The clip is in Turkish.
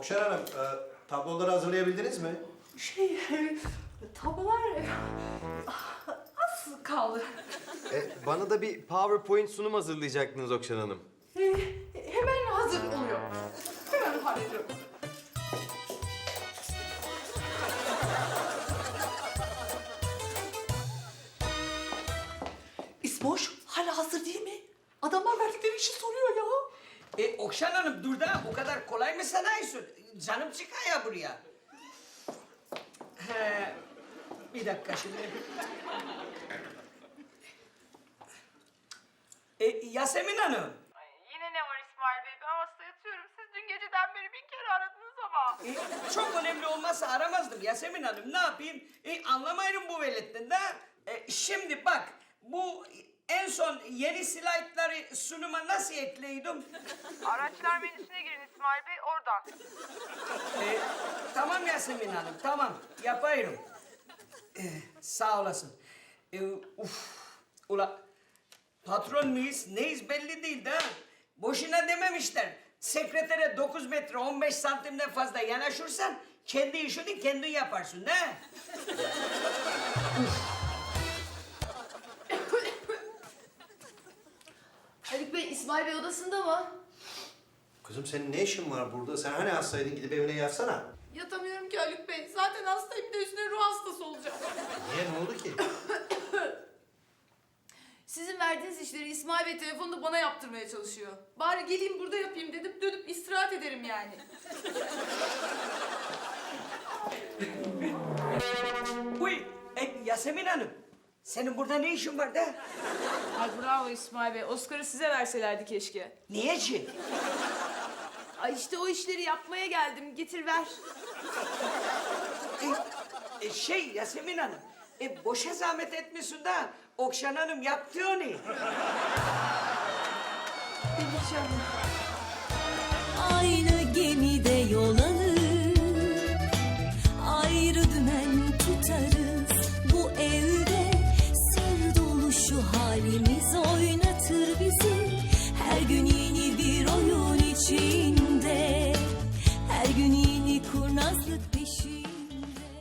Okşan Hanım, tabloları hazırlayabildiniz mi? Tablolar az kaldı. Bana da bir PowerPoint sunum hazırlayacaktınız Okşan Hanım. Hemen hazır oluyor. Hemen hallediyorum. İsmoş hala hazır değil mi? Adamlar verdikleri işi soruyor ya. Okşan Hanım dur da o kadar kolay mı sanıyorsun? Canım çıkar ya buraya. He, bir dakika şimdi. Yasemin Hanım. Ay, yine ne var İsmail Bey? Ben hasta yatıyorum. Siz dün geceden beri 1000 kere aradınız ama. Çok önemli olmazsa aramazdım Yasemin Hanım. Ne yapayım? Anlamayırım bu veletten de. Şimdi bak bu en son yeni slaytları sunuma nasıl ekleydim? Araçlar menüsüne girin İsmail Bey oradan. Tamam Yasemin Hanım, tamam. Yapıyorum. Sağ olasın. Ula patron muyuz, neyiz belli değil de ha. Boşuna dememişler. Sekretere 9 metre 15 santimden fazla yanaşırsan kendi işini kendin yaparsın ne? Haluk Bey, İsmail Bey odasında mı? Kızım senin ne işin var burada? Sen hani hastaydın, gidip evine yatsana. Yatamıyorum ki Haluk Bey. Zaten hastayım, bir de üstüne ruh hastası olacağım. Niye, ne oldu ki? Sizin verdiğiniz işleri İsmail Bey telefonda bana yaptırmaya çalışıyor. Bari geleyim burada yapayım dedim, dönüp istirahat ederim yani. Uy, Yasemin Hanım. Senin burada ne işin var da? Ay bravo İsmail Bey. Oscar'ı size verselerdi keşke. Niye ki? Ay işte o işleri yapmaya geldim. Getir ver. Yasemin Hanım. Boşa zahmet etmiyorsun da Okşan Hanım yaptı onu. Aynı gemide